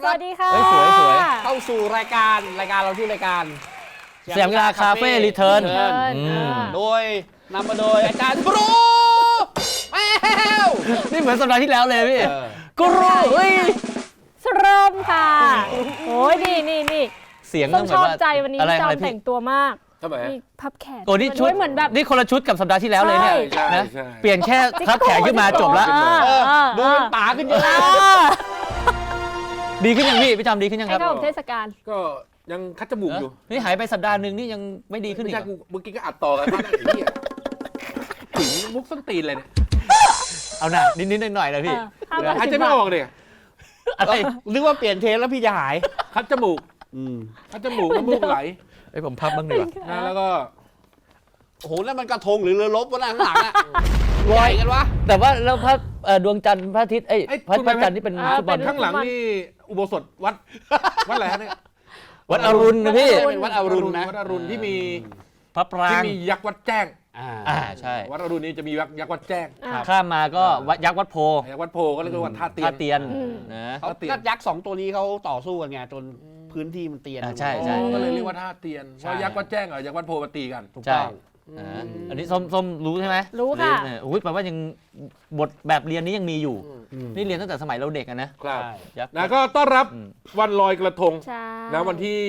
สวัสดีค่ะสวยเข้าสู่รายการเราชื่อรายการสยามกีฬาคาเฟ่รีเทิร์นโดยนำมาโดยอาจารย์กรูแมวนี่เหมือนสัปดาห์ที่แล้วเลยพี่กรูสรมค่ะโอ้ยนี่เสียงต้องชอบใจวันนี้จอมแต่งตัวมากทำไมมีพับแขนโอ้นี่ชุดเหมือนแบบนี่คนละชุดกับสัปดาห์ที่แล้วเลยเนี่ยนะเปลี่ยนแค่พับแขนขึ้นมาจบแล้วดูเป็นป๋าขึ้นเยอะดีขึ้นยังพี่จอมดีขึ้นยังครับให้เข้าเทศกาลก็ยังคัดจมูกอยู่นี่หายไปสัปดาห์นึงนี่ยังไม่ดีขึ้นอีกเมื่อกี้ก็อัดต่อกันไอ้เนี่ยถึงมุกส้นตีนเลยเนี่ยเอาหน่ะนิดๆหน่อยๆนะพี่หายใจไม่ออกเลยอะไรนึกว่าเปลี่ยนเทสแล้วพี่จะหายคัดจมูกคัดจมูกน้ำมูกไหลไอ้ผมพับบ้างดีกว่าแล้วก็โอ้โหแล้วมันกระทงหรือเรือรบวะข้างหลังอะลอยกันวะแต่ว่าแล้วพระดวงจันทร์พระอาทิตย์พระจันทร์นี่เป็นฟุตบอลข้างหลังนี่อุโบสถวัดอะไรฮะเนี่ยวัดอรุณนะพี่เป็นวัดอรุณนะวัดอรุณที่มีพระปรางที่มียักษ์วัดแจ้งใช่วัดอรุณนี้จะมียักษ์วัดแจ้งข้ามมาก็ยักษ์วัดโพยักษ์วัดโพก็เรียกว่าวัดท่าเตียนนะก็ยักษ์2ตัวนี้เขาต่อสู้กันไงจนพื้นที่มันเตียนใช่ก็เลยเรียกว่าท่าเตียนเพราะยักษ์วัดแจ้งกับยักษ์วัดโพมาตีกันถูกต้องอันนี้ส้มรู้ใช่ไหมรู้ค่ะอุ้ยแปลว่ายังบทแบบเรียนนี้ยังมีอยู่นี่เรียนตั้งแต่สมัยเราเด็กนะครับแล้วก็ต้อนรับวันลอยกระทงนะวันที่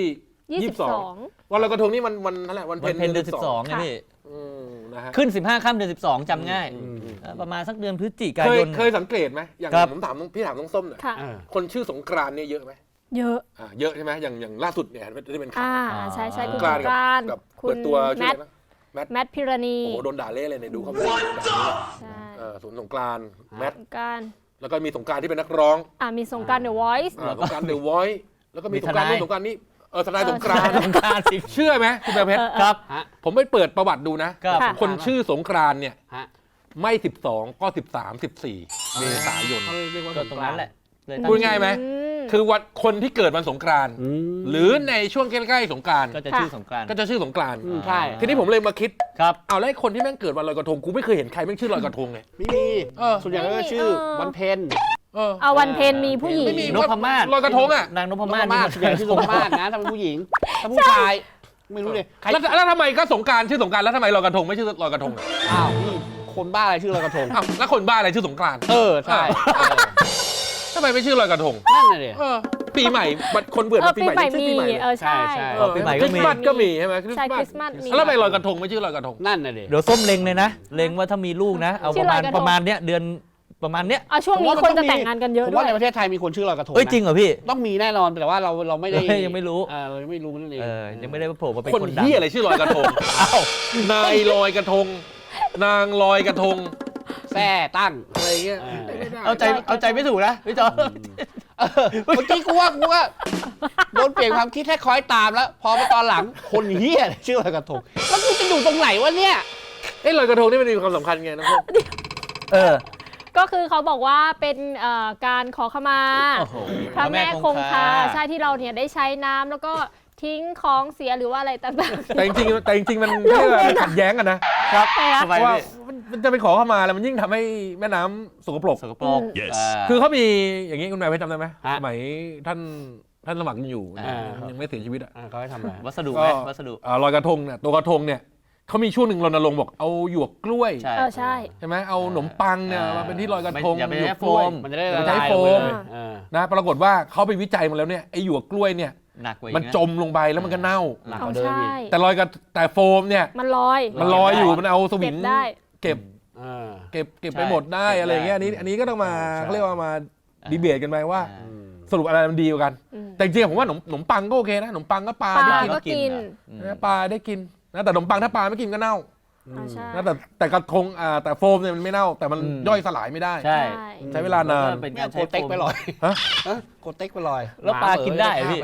22วันลอยกระทงนี่มันนั่นแหละวันเพ็ญเดือน12ไงพี่ขึ้น15 ค่ำเดือน12จำง่ายประมาณสักเดือนพฤศจิกายนเคยสังเกตไหมอย่างผมถามพี่ถามน้องส้มหน่อยคนชื่อสงกรานต์เนี่ยเยอะไหมเยอะเยอะใช่ไหมอย่างล่าสุดเนี่ยที่เป็นข่าวใช่คุณสงกรานต์กับเปิดตัวแมทพิรณีโอ้โดนด่าเละเลยเนี่ยดูเขาเป็นสวนสงกรานต์แมทแล้วก็มีสงกรานต์ที่เป็นนักร้องมีสงกรานต์ The Voice สงกรานต์ The Voice แล้วก็มีสงกรานต์นู้นสงกรานต์นี้ทนายสงกรานต์เชื่อไหมคุณแม่เพชรครับผมไปเปิดประวัติดูนะคนชื่อสงกรานต์เนี่ยไม่12ก็13 14เมษายนก็ตรงนั้นแหละพูดง่ายไหมคือวันคนที่เกิดวันสงกรานต์หรือในช่วงใกล้ๆสงกรานต์ก็จะชื่อสงกรานต์ใช่ทีนี้ผมเลยมาคิดครับเอาแล้วคนที่แม่งเกิดวันลอยกระทงกูไม่เคยเห็นใครแม่งชื่อลอยกระทงเลยไม่มีส่วนใหญ่ก็ชื่อวันเพ็ญวันเพ็ญมีผู้หญิงไม่มีนพมาศลอยกระทงอ่ะนางนพมาศส่วนใหญ่ชื่อนพมาศนะถ้าเป็นผู้หญิงถ้าผู้ชายไม่รู้เลยแล้วทำไมก็สงกรานต์ชื่อสงกรานต์แล้วทำไมลอยกระทงไม่ชื่อลอยกระทงอ้าวนี่คนบ้าอะไรชื่อลอยกระทงแล้วคนบ้าอะไรชื่อสงกรานต์ใช่ทำไมไม่ชื่อลอยกระทงนั่นเลยปีใหม่คนเบื่อปีใหม่ชื่อปีใหม่ใช่ปีใหม่คริสต์มาสก็มีใช่ไหมคริสต์มาสแล้วทำไมลอยกระทงไม่ชื่อลอยกระทงนั่นเลยเดี๋ยวส้มเล็งเลยนะเล็งว่าถ้ามีลูกนะเอาประมาณเนี้ยเดือนประมาณเนี้ยช่วงนี้คนจะแต่งงานกันเยอะด้วยผมว่าในประเทศไทยมีคนชื่อลอยกระทงจริงเหรอพี่ต้องมีแน่นอนแต่ว่าเราไม่ได้ยังไม่รู้เราไม่รู้นั่นเองยังไม่ได้โผล่มาเป็นคนดังอะไรชื่อลอยกระทงนายลอยกระทงนางลอยกระทงแซ่ตั้งอะไรเงี้ยเอาใจไม่ถูกนะพี่จอเมื่อกี้กูว่าโดนเปลี่ยนความคิดแค่คอยตามแล้วพอมาตอนหลังคนเฮี้ยชื่อลอยกระทงแล้วกูจะอยู่ตรงไหนวะเนี่ยลอยกระทงนี่มันมีความสำคัญไงน้องก็คือเขาบอกว่าเป็นการขอขมาพระแม่คงคาใช่ที่เราเนี่ยได้ใช้น้ำแล้วก็ทิ้งของเสียหรือว่าอะไรต่างๆแต่จริงมันขัดแย้งกันนะครับว่ามันจะไปขอเข้ามาแล้วมันยิ่งทำให้แม่น้ำสกปรกคือเขามีอย่างนี้คุณแม่เพชรจำได้ไหมสมัยท่านสมัครอยู่ยังไม่เสียชีวิตเขาให้ทำอะไรวัสดุลอยกระทงเนี่ยตัวกระทงเนี่ยเขามีช่วงหนึ่งรณรงค์บอกเอาหยวกกล้วยใช่ไหมเอาขนมปังเนี่ยมาเป็นที่ลอยกระทงอย่าไปใช้โฟมมันจะได้ใช้โฟมนะปรากฏว่าเขาไปวิจัยมาแล้วเนี่ยไอ้หยวกกล้วยเนี่ยมันจมลงไปแล้วมันก็เน่าแต่ลอยกับแต่โฟมเนี่ยมันลอยอยู่มันเอาสวิงเก็บไปหมดได้อะไรเงี้ยอันนี้ก็ต้องมาเขาเรียกว่ามาดีเบตกันไปว่าสรุปอะไรมันดีกว่ากันแต่จริงๆผมว่าขนมปังก็โอเคนะขนมปังก็ปลาได้กินปลาได้กินนะแต่ขนมปังถ้าปลาไม่กินก็เน่านะแต่กระทงแต่โฟมเนี่ยมันไม่เน่าแต่มันย่อยสลายไม่ได้ใช้เวลานานเป็นการโคเต็กไปลอยโคเต็กไปลอยแล้วปลากินได้พี่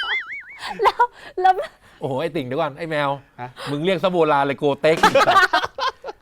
แล้วโอ้โหไอ้ติ่งเดี๋ยวก่อนไอ้แมวมึงเรียกซะโบราณเลยโกเต็กไ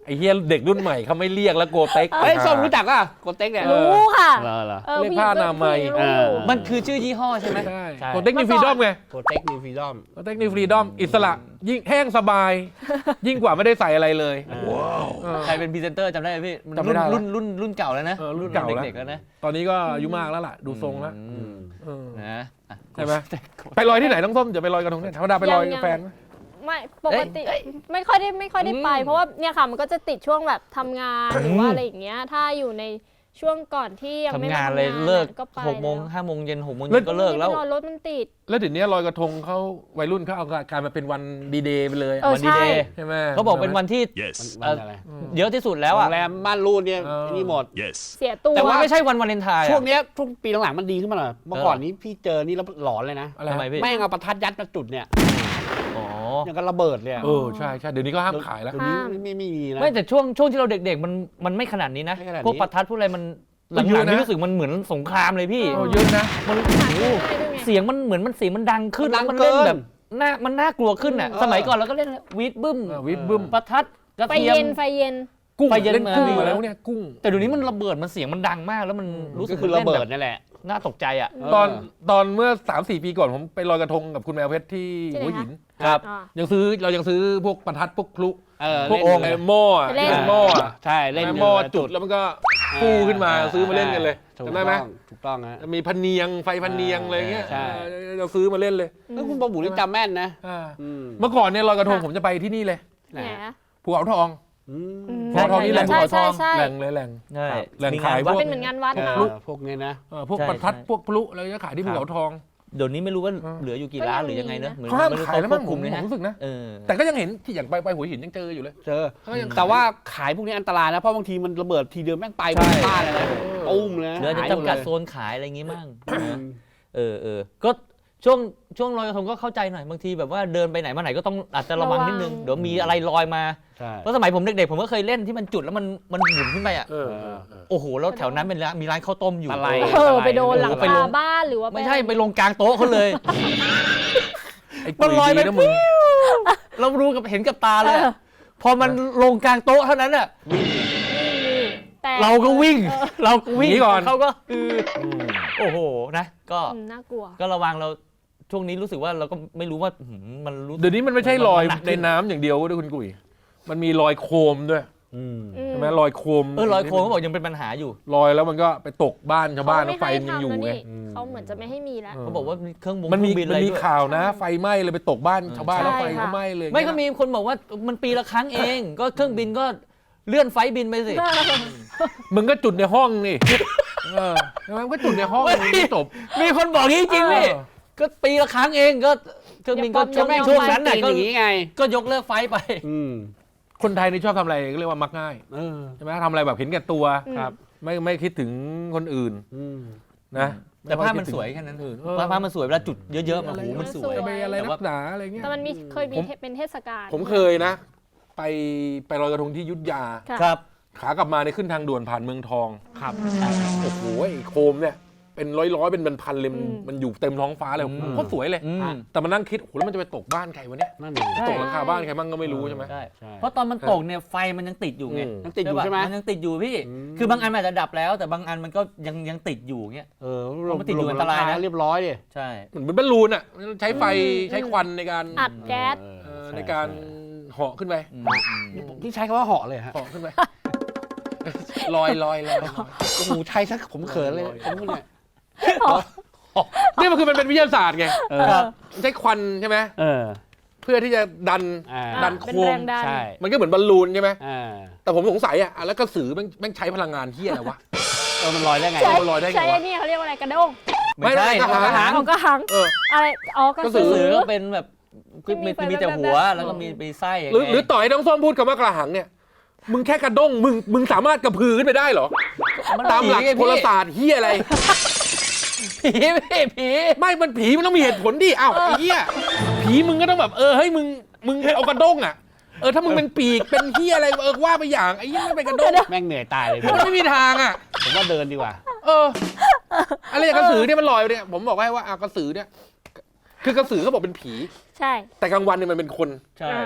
อ้เฮียเด็กรุ่นใหม่เขาไม่เรียกแล้วโกเต็กเฮ้ยส้มรู้จักอ่ะโกเต็กเนี่ยรู้ค่ะเหรอเรียกผ้าอนามัยผู้หญิงก็รู้มันคือชื่อยี่ห้อใช่ไหมใช่ใช่โกเต็กนิวฟรีดอมไงโกเต็กนิวฟรีดอมโกเต็กนิวฟรีดอมอิสระยิ่งแห้งสบาย ยิ่งกว่าไม่ได้ใส่อะไรเลยเออใครเป็นพรีเซนเตอร์จำได้ไหมพี่มันจำไม่ได้รุ่นเก่าแล้วนะรุ่นเก่าแล้วเด็กๆแล้วนะตอนนี้ก็อายุมากแล้วล่ะดูทรงแล้วอืมเออนะอ่ะใช่ไหมไปลอยที่ไหนน้องส้มจะไปลอยกระทงเนี่ยธรรมดาไปลอยกับแฟนไหมไม่ปกติไม่ค่อยได้ไป เพราะว่าเนี่ยค่ะมันก็จะติดช่วงแบบทำงานหรือว่าอะไรอย่างเงี้ยถ้าอยู่ในช่วงก่อนที่ยังไม่ทำงานมเลยเลิกก็ไป 6 โมง 5 โมงเย็น 6 โมงแล้เย็วนก็เลิกแล้วไม่ได้ไปรอรถมันติดแล้วเดี๋ยวนี้ลอยกระทงเขาวัยรุ่นเขาเอาการมาเป็นวันดีเดย์ไปเลยวันดีเดย์ใช่ไหมเขาบอกเป็นวันที่ Yes. วันอะไรเยอะที่สุดแล้วโรอ่ะงแรมม่านรูดเนี่ยเออนี่หมด Yes. เสียตัวแต่ว่าไม่ใช่วันวาเลนไทน์อะช่วงเนี้ยช่วงปีหลังๆมันดีขึ้นมาหน่อยเมื่อก่อนนี้พี่เจอนี่แล้วหลอนเลยนะอะไรทำไมพี่แม่งเอาประทัดยัดมาจุดเนี่ยอ๋ออย่างกับระเบิดเลยอะเออใช่ใช่เดี๋ยวนี้ก็ห้ามขายแล้วเดี๋ยวนี้ไม่มีนะไม่แต่ช่วงที่เราเด็กๆมันไม่ขนาดนี้นะไม่ขนาดนี้พวกประทัดพวกอะไรมันหเยลัอะงๆนะนี่รู้สึกมันเหมือนสงครามเลยพี่โอ้เยอะนะมันหาซื้อง่ายด้วยไงเสียงมันเหมือนมันเสียงมันดังขึ้นมันดังแล้วมันเล่นเกินแบบมันน่ากลัวขึ้นอ่ะเออสมัยก่อนเราก็เล่นวีดบึ้มวิบบึ้มประทัดกระไฟเทียเย็มนไฟเย็นกุ้งไปเย็นเล่นกุ้งมาอะไรพวกเนี้ยกุ้งแต่เดี๋ยวนี้มันระเบิดมันเสียงมันดังมากแล้วมันรู้สึก็กคือระเบิดล่นนั่นแหละแบบน่าตกใจอ่ะตอนเมื่อ 3-4 ปีก่อนผมไปลอยกระทงกับคุณแมวเพชรที่ที่ไหนหัวหินครับอ่าเรายังซื้อพวกประทัดพวกพลุพวกโอ่งไอ้หม้ออะไปเล่นไอ้หม้ออะใช่เล่นไอ้หม้อจุดแล้วมันก็ฟูขึ้นมาซื้อมาเล่นกันเลยถูกจำได้ไหมถูกต้องฮะมีพันเนียงไฟพันเนียงอะไรเงี้ยใช่เราซื้อมาเล่นเลยแล้วคุณบอบุนี่จำแม่นนะอ่าอืมเมื่อก่อนเนี่ยลอยกระทงผมจะไปที่นี่เลยแหมภูเขาทองอืมอืมพอทองนี่แหละใช่ใช่ใช่แหล่งเลยแหล่งใช่แหล่งมีขายวัดพวกเป็นเหมือนงานวัดเอนะอพวกนี้นะพวกใช่ประทัดใช่พวกพลุอะไรก็ขายที่ภูเขาทองเดี๋ยวนี้ไม่รู้ว่าเออเหลืออยู่กี่ร้านหรือยังไงนะเหมือนเขาห้ามไม่รู้ขายแล้วมั้งควบผคุมมเลยนะรู้สึกนะเออแต่ก็ยังเห็นที่อย่างไปหัวหินยังเจออยู่เลยเจอเขายังขยแต่ว่าขายพวกนี้อันตรายนะ เพราะบางทีมันระเบิดทีเดียวแม่งไปหมดบ้านเลยนะตุ้มเลยนะเหลือจะหายหมจำกัดเลยโซนขายอะไรอย่างงี้มั่งอืนะมเออก็ช่วงลอยกระทงก็เข้าใจหน่อยบางทีแบบว่าเดินไปไหนมาไหนก็ต้องอาจจะระวังนิดนึงระวังเดี๋ยวมีอะไรลอยมาใช่เพราะสมัยผมเด็กๆผมก็เคยเล่นที่มันจุดแล้วมันหมุนขึ้นไปอ่ะเออโอ้โหแล้วแถวนั้นเป็นร้านมีร้านข้าวต้มอยู่อะไรเออไปโดนหลังไปคาลงบ้านหรือว่าไม่ใช่ไปลงกลางโต๊ะเขาเลยไอ้มันกุยลอยดีไปนะมึงเรารู้กับเห็นกับตาเลยอะพอมันลงกลางโต๊ะเท่านั้นอ่ะแต่เราก็วิ่งเราก็วิ่งหนีก่อนเขาก็โอ้โหนะก็น่ากลัวก็ระวังเราช่วงนี้รู้สึกว่าเราก็ไม่รู้ว่ามันรู้เดี๋ยวนี้มันไม่ใช่ลอยมันหนักขึ้ในนน้ำอย่างเดียวด้วยคุณกุยมันมีลอยโคมด้วยอืมใช่ไหมลอยโคมลอยโคมเขาบอกยังเป็นปัญหาอยู่ลอยแล้วมันก็ไปตกบ้านชาวบ้านเขาแล้วไม่ไฟให้มันยังทำอยู่แล้วไงนี่เขาเหมือนจะไม่ให้มีแล้วเขาบอกว่ามีเครื่องมันมีบินอะไรมีด้วยข่าวนะ ไฟไหม้เลยไปตกบ้านชาวบ้านแล้วใช่ไฟค่ะก็ไหม้เลยไม่ก็มีคนบอกว่ามันปีละครั้งเอง ก็เครื่องบินก็เลื่อนไฟล์บินไปสิมึงก็จุดในห้องนี่ใช่ไหมมันก็จุดในห้องไม่ไม่จบมีคนบอกอย่างนี้จริงพี่เออก็ปีละครั้งเองก็เครื่องบินก็อย่าปลอมช่วงนั้นน่ะตีก็อย่างนี้ไงก็ยกเลิกไฟล์ไปอืมคนไทยนี่ชอบทำอะไรก็เรียกว่ามักง่ายเออใช่ไหมทำอะไรแบบเห็นแก่ตัวครับไม่คิดถึงคนอื่นอืมนะแต่ภาพมันสวยแค่นั้นเออภาพมันสวยเวลาจุดเยอะๆมันโอ้โหมันสวยจะไปอะไรแต่นัว่ากหนาอะไรเงี้ยแต่มันมีเคยมีผมเป็นเทศกาลผมเคยนะ ไปลอยกระทงที่อยุทธยาค่ะครับขากลับมาในขึ้นทางด่วนผ่านเมืองทองครับโอ้โหไอ้โคมเนี่ยเป็นร้อยเป็นพันๆเลยมันอยู่เต็มท้องฟ้าเลยโคตรสวยเลยอืมแต่มานั่งคิดโอ้โหแล้วมันจะไปตกบ้านใครวะเนี่ยนั่นเองใช่ตกหลังคาบ้านใครมั่งก็ไม่รู้ใช่ไหมใช่ใช่เพราะตอนมันตกเนี่ยไฟมันยังติดอยู่ไงยังติดอยู่ใช่ไหมมันยังติดอยู่พี่อืมคือบางอันมันอาจจะดับแล้ว แต่บางอันมันก็ยังติดอยู่เงี้ยเออเพราะมันติดอยู่อันตรายนะเรียบร้อยดิใช่เหมือนบอลลูนอ่ะใช้ไฟใช้ควันในการอัดแก๊สในการเหาะขึ้นไปพี่ใช้คำว่าเหาะเลยฮะเหาะขึ้นไปลอยโอ้โหใช้ซะผมเขินเลยผมพูดเนี่ยนี่มันคือมันเป็นวิทยาศาสตร์ไงเออใช้ควันใช่ไหมเออเพื่อที่จะดันอ่าดันเป็นโคมแรงดันใช่มันก็เหมือนบอลลูนใช่ไหมอ่าแต่ผมสงสัยอ่ะแล้วกระสือแม่งใช้พลังงานที่อะไรวะเออมันลอยได้ไงใช่มันลอยได้ไงวะใช่ไอ้นี่เขาเรียกว่าอะไรกระด้งไม่ใช่ไม่ใช่กระหังเอากระหังเอออะไรอ๋อกระกระสืสืสืออก็เป็นแบบที่มีมีแต่ไฟหัวแบบแล้วก็มีไส้ย่างหรือเงี้ยหรือต่อให้น้องส้มพูดคำว่ากระหังเนี่ยมึงแค่กระด้งมึงสามารถกระพือขึ้นไปได้เหรอมันตามหลักผีไงโหราศาสตร์เฮียอะไรผีพี่ผีไม่มันผีมันต้องมีเหตุผลดิอ้าวไอ้เหี้ยผีมึงก็ต้องแบบเฮ้ยมึงเอากระด้งอ่ะถ้ามึงเป็นปีกเป็นเหี้ยอะไรว่าไปอย่างไอ้เหี้ยไม่เป็นกระด้งแม่งเหนื่อยตายเลยมันไม่มีทางอ่ะผมว่าเดินดีกว่าอะไรอย่างกระสือเนี่ยมันลอยไปเนี่ยผมบอกให้ว่ากระสือเนี่ยคือกระสือเขาบอกเป็นผีใช่แต่กลางวันเนี่ยมันเป็นคนใช่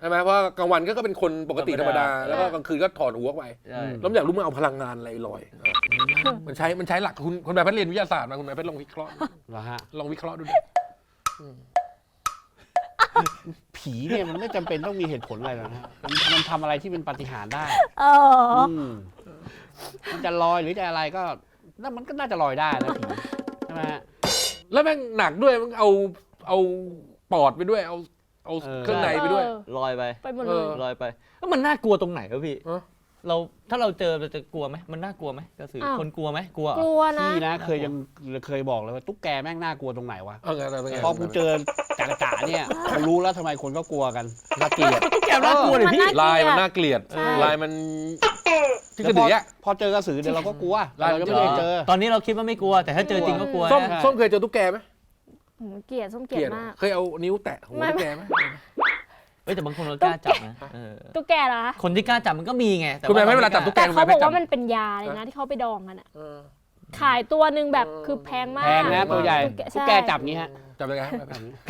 ช่ไหมเพราะกลางวันก็เป็นคนปกติธรรมดาแล้วก็กลางคืนก็ถอดหัวไปใช่แล้วอยากรู้มึงเอาพลังงานอะไรลอยมันใช้หลักคุณแบบเรียนวิทยาศาสตร์มาคุณแบบลองวิเคราะห์เหรอฮะลองวิเคราะห์ดูดิผีเนี่ยมันไม่จำเป็นต้องมีเหตุผลอะไรหรอกนะมันทำอะไรที่เป็นปาฏิหาริย์ได้ มมันจะลอยหรือจะอะไรก็นั่นมันก็น่าจะลอยได้นะผีใช่ไหมฮะแล้วแม่งหนักด้วยมึงเอาปอดไปด้วยเอาเครื่องในไปด้วยลอยไปไปหมดเลยลอยไปแล้วมันน่ากลัวตรงไหนวะพี่เออถ้าเราเจอเราจะกลัวไหมมันน่ากลัวไหมกระสืออ้าวคนกลัวไหมกลัวเหรกอลัวนะพี่นะเคยบอกเลยว่าตุ๊กแกแม่งน่ากลัวตรงไหนวะเอาไงพอกูเจอจ่าเนี่ยกูรู้แล้วทำไมคนก็กลัวกันน่าเกลียดตุ๊กแกน่ากลัวเลยพี่ลายมันน่าเกลียดใช่ลายมันที่กระดืออ่ะพอเจอกระสือเดี๋ยวเราก็กลัวลายเราจะไม่ได้เจอตอนนี้เราคิดว่าไม่กลัว แต่ถ้าเจอจริงก็กลัวส้มนะส้มเคยเจอตุ๊กแกไหมเกลียดส้มเกลียดมากเคยเอานิ้วแตะหัวตุ๊กแกไหมเฮ้ยแต่บางคนเรากล้าจับนะเออตุ๊กแกเหรอคะคนที่กล้าจับมันก็มีไงแต่คุณแม่ไม่เวลาจับตุ๊กแกแต่คุณเขาแม่บอกจับว่ามันเป็นยาเลยนะที่เขาไปดองกันอะเออขายตัวหนึ่งแบบคือแพงมากแพงนะตัวใหญ่ตุ๊กแกตุ๊กแกจับงี้ฮะจับยังไงครับ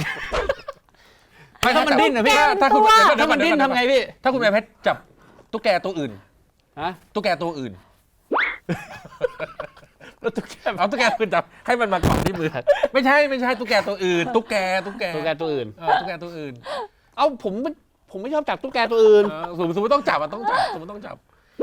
ถ้ามันดิ้นนะพี่ถ้าคุณถ้ามันดิ้นทำไงพี่ถ้าคุณแม่เพชรจับตุ๊กแกตัวอื่นฮะตุ๊กแกตัวอื่นแล้วตุ๊กแกเอาตุ๊กแกตัวอื่นจับให้มันมาเกาะที่มือไม่ใช่ตุ๊กแกตัวอื่นตุ๊กแกตุ๊กแกตัวอื่นตุ๊กแกตัวอื่นเอาผมไม่ชอบจับตุ๊กแกตัวอื่นสมมติต้องจับอ่ะต้องจับสมมติต้องจับ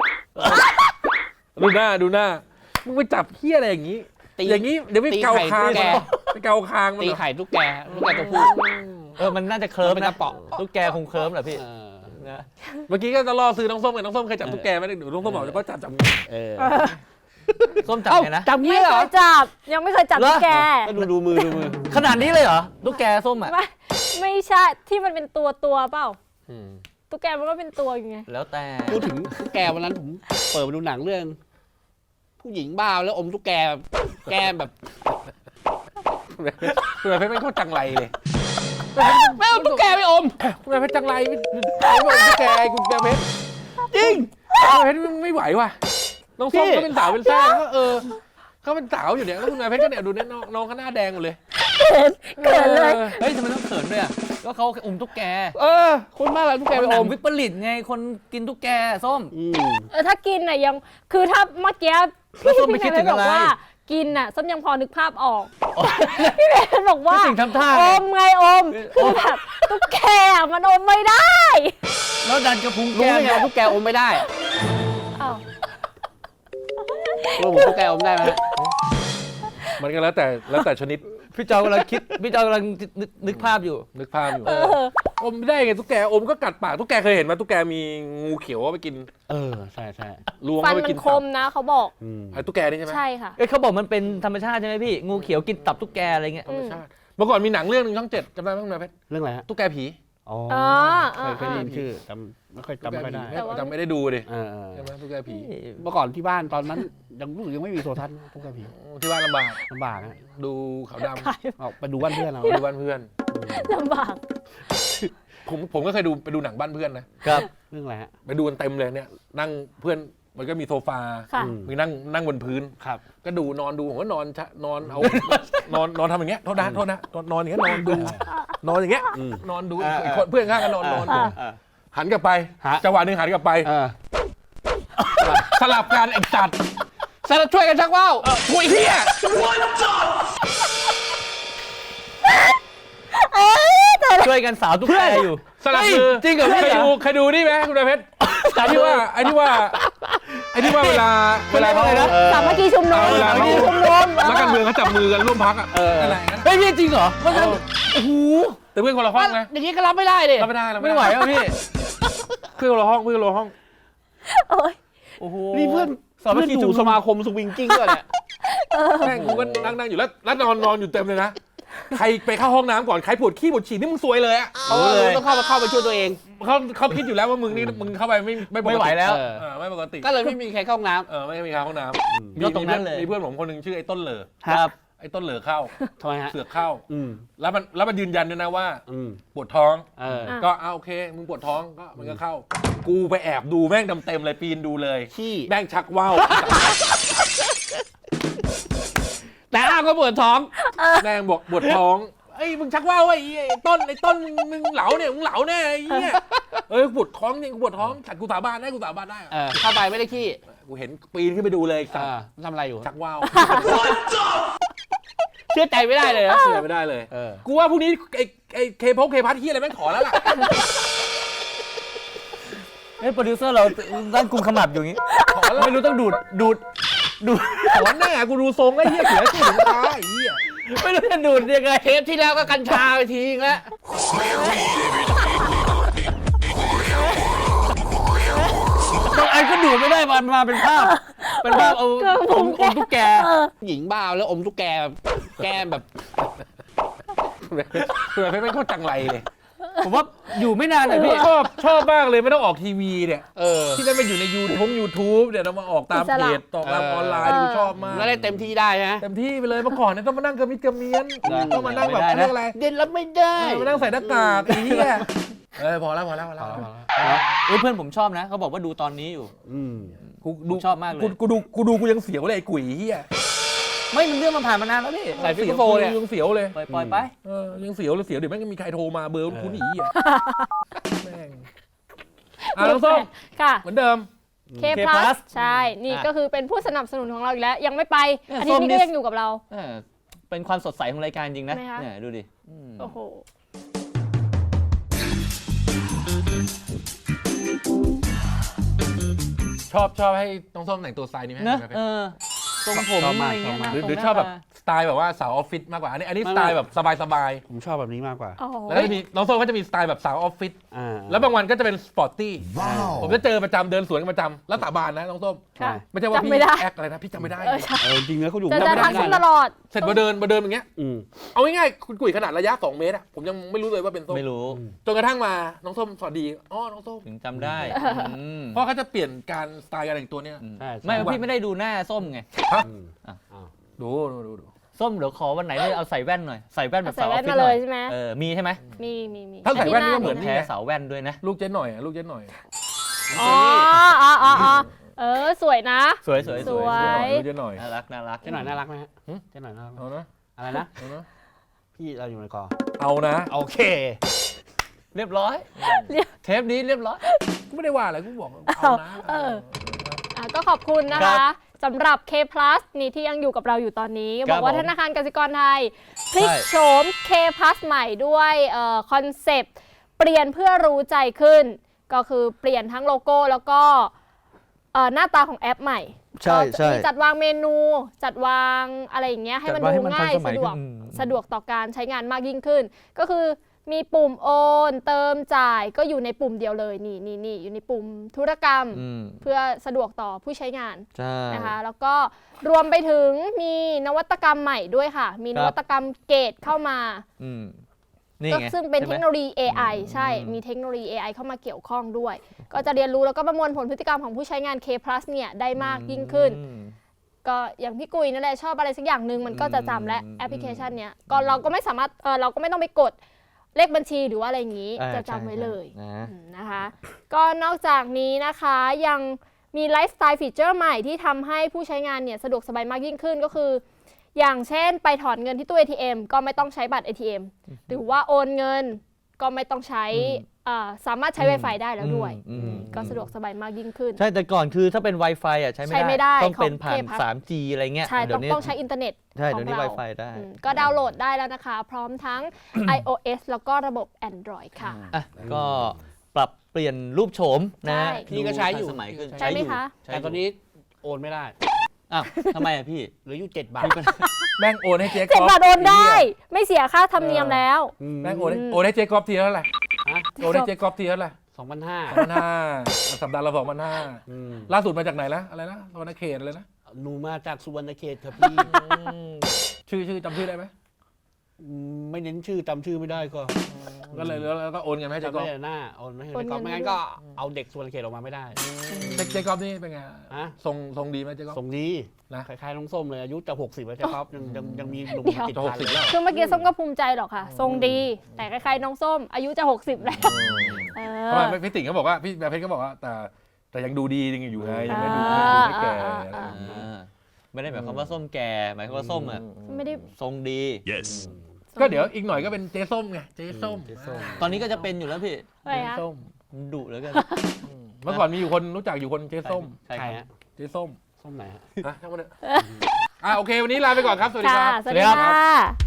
ดูหน้ามึงไปจับเฮี้ยอะไรอย่างนี้ อย่างนี้เดี๋ยวไปเกาคางตีไข่ตุ๊กแกไปเกาคางมันตีเหรอไข่ตุ๊กแกตัวผู้มันน่าจะเคลิ้มมันเป็นนะกระป๋องตุ๊กแกคงเคลิ้มเหรอพี่เออนะเมื่อกี้ก็จะล่อซื้อน้องส้มกับน้องส้มเคยจับตุ๊กแกไหมเดี๋ยวน้องส้มบอกก็จับเออส้มจับไงนะจับไม่งี้เหรเคอยจับยังไม่เคยจับเหรอตุ๊กแกก็ดูมือขนาดนี้เลยเหรอตุ๊กแกส้มอ่ะไม่ใช่ที่มันเป็นตัวเปล่าตุ๊กแกมันก็เป็นตัวอยู่ไงแล้วแต่พูดถึงตุ๊กแกวันนั้นผมเปิดมาดูหนังเรื่อง ผู้หญิงบ้าแล้วอมตุ๊กแกแก้มแบบคุณแม่เพชรไม่เข้าจังไรเลยไม่เอาตุ๊กแกไปอมคุณแม่เพชรจังไรไม่บอกตุ๊กแกคุณแม่เพชรจริงคุณแม่เพชรไม่ไหวว่ะน้องส้มก็เป็นสาวเป็นแซ่ก็เขาเป็นสาวอยู่เนี่ยแล้วคุณแม่เพชรก็เนี่ยดูเนี่ยน้องเขาหน้าแดงหมดเลยเกิดเลยเฮ้ยทำไมต้องเขินด้วยอ่ะก็เขาอมตุ๊กแกคนบ้าอะไรตุ๊กแกไปหนัอง มวิปริตไงคนกินตุ๊กแกส้มถ้ากินน่ะยังคือถ้าเมื่อกี้แล้วส้มไม่คิดถึงบอะอกไรว่ากินน่ะส้มยังพอนึกภาพออกพี่เบนบอกว่าคิดถึงทำท่าอไงมไงอมคือแบบตุ๊กแกอะมันอมไม่ได้แล้วดันกระพุ้งรู้แก้ได้มไงว่าตุ๊กแกอมไม่ได้อ้าวรู้ผมตุ๊กแกอมได้ไหมฮะมันก็แล้วแต่ชนิดพี่จอกำลังนึกภาพอยู่นึกภาพอยู่อมไม่ได้ไงตุ๊กแกอมก็กัดปากตุ๊กแกเคยเห็นไหมตุ๊กแกมีงูเขียวเอาไปกินใช่ล้วงฟันเอาไปมักินนคมนะเขาบอกไอ้ตุ๊กแกนี่ใช่ไหมใช่ค่ะเขาบอกมันเป็นธรรมชาติใช่ไหมพี่งูเขียวกินตับตุ๊กแกอะไรเงี้ยธรรมชาติเมื่อก่อนมีหนังเรื่องนึงช่อง 7จำได้ไหมคุณแม่เพชรเรื่องอะไรฮะตุ๊กแกผีอ๋อ เคยได้ยินชื่อจำไม่ค่อยได้จำไม่ได้ดูดิเออใช่ไหมตุ๊กแกผีเมื่อก่อนที่บ้านตอนนั้นยังรู้สึกยังไม่มีโทรทัศน์ตุ๊กแกผีที่บ้านลำบากลำบากฮะดูขาวดออกไปดูบ้านเพื่อนเราำดูบ้านเพื่อนลำบากผมก็เคยไปดูหนังบ้านเพื่อนนะครับเรื่องอะไรฮะไปดูกันเต็มเลยเนี่ยนั่งเพื่อนมันก็มีโซฟาค่ะมีนั่งบนพื้นครับก็ดูนอนดูผมก็นอนเอา นอนทำอย่างเงี้ยโทษนะนอนอย่างเงี้ยนอนดูนอนอย่างเงี้ยนอนดูอีกคนเพื่อนข้างกันนอนดูหันกลับไปจังหวะหนึ่งหันกลับไป สลับกันไอ้จัดสลับช่วยกันชักว่าวคุยเฮียช่วยกันสาวตุ๊กแกอยู่สลับมือจริงเหรอพี่เคยดูนี่ไหมคุณนายเพชรไอ้ที่ว่าเวลาเขาสามัคคีชุมนุมเวลาสามัคเขาคีชุมนุมนักการเมืองเขาจับมือกันร่วมพักอ่ะอะไรนะเฮ้ยพี่จริงเหรอมันจะโอ้โหแต่เพื่อนคนละห้องนะอย่างนี้ก็รับไม่ได้เลยรับไม่ได้ไม่ไหวอ่ะพี่เพื่อนคนละห้องโอ้ยโอ้โหนี่เพื่อนสามัคคีอชุมยู่นุสมมาคมสวิงกิ้งด้วยเนี่ยแม่งกูก็นั่งอยู่แล้วนอนอยู่เต็มเลยนะใครไปเข้าห้องน้ำก่อนใครปวดขี้ปวดฉี่นี่มึงซวยเลยอ่ะต้องเข้าไปช่วยตัวเองเขาคิดอยู่แล้วว่ามึงเข้าไปไม่ไหวแล้วไม่ปกติก็เลยไม่มีใครเข้าห้องน้ไม่มีห้องน้ำก็ตรงนั้นเลยมีเพื่อนผมคนหนึ่งชื่อไอ้ต้นเหลอครับไอ้ต้นเหลอเข้าำทำไมฮะเสือกเข้าแล้วมันยืนยันด้วยนะว่า ปวดท้องอ่ะก็โอเคมึงปวดท้องก็มันก็เข้า กูไปแอบดูแม่งเต็มเลยปีนดูเลยขี้แม่งชักว่าวแต่อ้าวก็ปวดท้องแม่งบอกปวดท้องมึงชักว่าวไอ้ต้นมึงเหลาเนี่ยมึงเหลาแน่ไอ้เหี้ยปวดท้องจริงปวดท้องฉันกูสาบานได้เข้าไปไม่ได้ขี้กูเห็นปีนขึ้นไปดูเลยสัตว์ทำอะไรอยู่ชักว่าวเชื่อใจไม่ได้เลยนะเชื่อไม่ได้เลยกูว่าพรุ่งนี้ไอ้เคพัทเหี้ยอะไรแม่งขอแล้วล่ะโปรดิวเซอร์เราตั้งกุมขมับอยู่อย่างนี้ไม่รู้ต้องดูดขอแน่กูดูทรงไอ้เหี้ยเสียชื่อถึงตาไอ้เหี้ยไม่รู้จะดูดยังไงเทปที่แล้วก็กัญชาไปทีแล้วบางอันก็ดูดไม่ได้มาเป็นภาพเอาอมตุ๊กแกหญิงบ้าแล้วอมตุ๊กแกแก้มแบบเผื่อไม่โคตรจังไรเลยผมว่าอยู่ไม่นานเลยพี่ชอบมากเลยไม่ต้องออกทีวีเนี่ยที่ได้มาอยู่ในYouTubeเนี่ยเรามาออกตามเพจตามออนไลน์ดูชอบมากแล้วได้เต็มที่ได้นะเต็มที่ไปเลยเมื่อก่อนเนี่ยต้องมานั่งกระมิดกระเมียนต้องมานั่งแบบเรื่องอะไรเด่นรับไม่ได้มานั่งใส่หน้ากากไอ้เหี้ยพอแล้วเพื่อนผมชอบนะเขาบอกว่าดูตอนนี้อยู่กูชอบมากเลยกูดูกูยังเสียวเลยไอ้กุ๋ยเหี้ยไม่มันเรื่องมันผ่านมานานแล้วพี่ใส่ฟิกโฟเนี่ยยังเสียวเลยปล่อยไปยังเสียวเลยเดี๋ยวแม่งมีใครโทรมาเบอร์คุณอีอ่ะแม่งน้องส้มค่ะเหมือนเดิม K+ ใช่นี่ก็คือเป็นผู้สนับสนุนของเราอีกแล้วยังไม่ไปอาทิตย์นี้ก็ยังอยู่กับเราเป็นความสดใสของรายการจริงนะเนี่ยดูดิโอ้โหชอบให้น้องส้มแต่งตัวสไตล์นี้ไหมทรงผมอะไรเงี้ยหรือชอบแบบสไตล์แบบว่าสาวออฟฟิศมากกว่าอันนี้สไตล์แบบสบายผมชอบแบบนี้มากกว่าแล้วก็จะมีน้องส้มก็จะมีสไตล์แบบสาวออฟฟิศแล้วบางวันก็จะเป็นสปอร์ตตี้ผมจะเจอประจำเดินสวนกันประจำแล้วสาบานนะน้องส้มไม่ใช่ว่าพี่แอคอะไรนะพี่จำไม่ได้จริงๆแล้วเขาอยู่จะทักตลอดเสร็จมาเดินอย่างเงี้ยเอาง่ายๆคุณกุ๋ยขนาดระยะ2 เมตรผมยังไม่รู้เลยว่าเป็นส้มไม่รู้จนกระทั่งมาน้องส้มสวัสดีน้องส้มถึงจำได้เพราะเขาจะเปลี่ยนการสไตล์การแต่งตัวเนี่ยไม่พี่ไม่ได้ดูหน้าส้มไงดูส้มเดี๋ยวขอวันไหนเลยเอาใส่แว่นหน่อยใส่แว่นแบบสาวออฟฟิศหน่อยใช่ไหมมีใช่ไหมมีถ้าใส่แว่นนี่ก็เหมือนแท้สาวแว่นด้วยนะลูกเจ๊หน่อยสวยนะสวยลูกเจ๊หน่อยน่ารักเจ๊หน่อยไหมฮะเจ๊หน่อยน่ารักเอานะอะไรนะพี่เราอยู่ในกอเอานะโอเคเรียบร้อยเทปนี้เรียบร้อยกูไม่ได้ว่าอะไรกูบอกเอานะก็ขอบคุณนะคะสำหรับ K+ นี่ที่ยังอยู่กับเราอยู่ตอนนี้บอกว่าธนาคารกสิกรไทยพลิกโฉม K+ ใหม่ด้วยคอนเซปต์เปลี่ยนเพื่อรู้ใจขึ้นก็คือเปลี่ยนทั้งโลโก้แล้วก็หน้าตาของแอปใหม่ใช่มีจัดวางเมนูจัดวางอะไรอย่างเงี้ยให้มันดูง่ายสะดวกต่อการใช้งานมากยิ่งขึ้นก็คือมีปุ่มโอนเติมจ่ายก็อยู่ในปุ่มเดียวเลยนี่อยู่ในปุ่มธุรกรรมเพื่อสะดวกต่อผู้ใช้งานนะคะแล้วก็รวมไปถึงมีนวัตกรรมใหม่ด้วยค่ะมีนวัตกรรมเกตเข้ามาก็ซึ่งเป็นเทคโนโลยี AI ใช่มีเทคโนโลยี AI เข้ามาเกี่ยวข้องด้วยก็จะเรียนรู้แล้วก็ประมวลผลพฤติกรรมของผู้ใช้งาน K+ เนี่ยได้มากยิ่งขึ้นก็อย่างพี่กุยนั่นแหละชอบอะไรสักอย่างหนึ่งมันก็จะจำและแอปพลิเคชันเนี้ยก็เราก็ไม่สามารถเราก็ไม่ต้องไปกดเลขบัญชีหรือว่าอะไรอย่างนี้จะจำไว้เลยนะคะก็นอกจากนี้นะคะยังมีไลฟ์สไตล์ฟีเจอร์ใหม่ที่ทำให้ผู้ใช้งานเนี่ยสะดวกสบายมากยิ่งขึ้นก็คืออย่างเช่นไปถอนเงินที่ตู้ ATM ก็ไม่ต้องใช้บัตร ATM หรือว่าโอนเงินก็ไม่ต้องใช้สามารถใช้ Wi-Fi ได้แล้วด้วยก็สะดวกสบายมากยิ่งขึ้นใช่แต่ก่อนคือถ้าเป็น Wi-Fi ใช้ไม่ได้ต้องเป็นผ่าน 3G อะไรเงี้ยใช่ต้องใช้อินเทอร์เน็ตใช่เดี๋ยวนี้ Wi-Fi ได้ก็ดาวน์โหลดได้แล้วนะคะพร้อมทั้ง iOS แล้วก็ระบบ Android ค่ะก็ปรับเปลี่ยนรูปโฉมนะพี่ก็ใช้อยู่สมัยขึ้นใช่ไหมคะแต่ตอนนี้โอนไม่ได้ทำไมพี่เหลืออยู่7 บาทแม่งโอนให้เจ๊ก๊อฟ 7 บาทโอนได้ไม่เสียค่าธรรมเนียมแล้วแม่งโอนให้เจ๊ก๊อฟทีเท่าไหร่โอนให้เจ๊ก๊อฟทีเท่าไหร่ 2,500 สัปดาห์ละ 2,500 ล่าสุดมาจากไหนนะอะไรนะสุวรรณเขตอะไรนะหนูมาจากสุวรรณเขตครับพี่ชื่อจำชื่อได้ไหมไม่เน้นชื่อจำชื่อไม่ได้ก็เลยแล้วก็โอนเงินให้เจ๊ก๊อฟหน้าโอนให้เจ๊ก๊อฟไม่งั้นก็เอาเด็กสุวรรณเขตออกมาไม่ได้เจ๊ก๊อฟนี่เป็นไงทรงดีไหมเจ๊ก๊อฟทรงดีนะคล้ายๆน้องส้มเลยอายุจะ60แล้วเจ๊ก๊อฟยังมีหนุ่มติดพันแล้วคือเมื่อกี้ส้มก็ภูมิใจหรอกค่ะทรงดีแต่คล้ายๆน้องส้มอายุจะ60แล้วเพราะพี่ติ๋งก็บอกว่าพี่แม่เพชรก็บอกว่าแต่ยังดูดียังอยู่ไงยังไม่ดูไม่แก่ไม่ได้หมายความว่าส้มแก่หมายความว่าส้มไม่ได้ทรงดีก็เดี๋ยวอีกหน่อยก็เป็นเจ๊ส้มไงเจ๊ส้มตอนนี้ก็จะเป็นอยู่แล้วพี่อะไรเจ๊คะส้มมันดุเหลือเกินเมื่อก่อนมีอยู่คนรู้จักอยู่คนเจ๊ส้มใช่ใครครับฮะเจ๊ส้มส้มไหนฮะอ่ะทั้งหมดเลยโอเควันนี้ลาไปก่อนครับสวัสดีค่ะครับสวัสดีค่ะ